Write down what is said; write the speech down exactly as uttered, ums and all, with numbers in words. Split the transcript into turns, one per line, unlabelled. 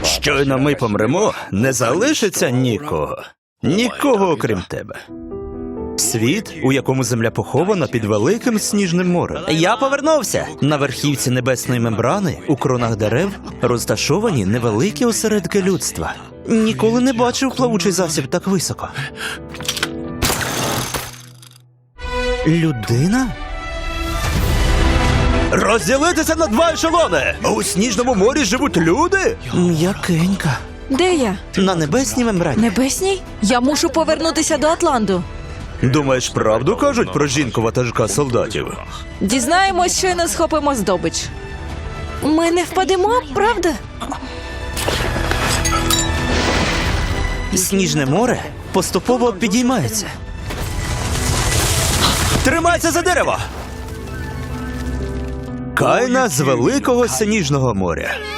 Щойно ми помремо, не залишиться нікого. Нікого, окрім тебе. Світ, у якому земля похована під великим сніжним морем. Я повернувся! На верхівці небесної мембрани, у кронах дерев, розташовані невеликі осередки людства. Ніколи не бачив плавучий засіб так високо. Людина? Розділитися на два ешелони! У сніжному морі живуть люди? М'якенька.
Де я?
На небесній мембрані.
Небесній? Я мушу повернутися до Атланту.
Думаєш, правду кажуть про жінку ватажка солдатів?
Дізнаємось, що й не схопимо здобич. Ми не впадемо, правда?
Сніжне море поступово підіймається. Тримайся за дерево! Кайна з великого сніжного моря.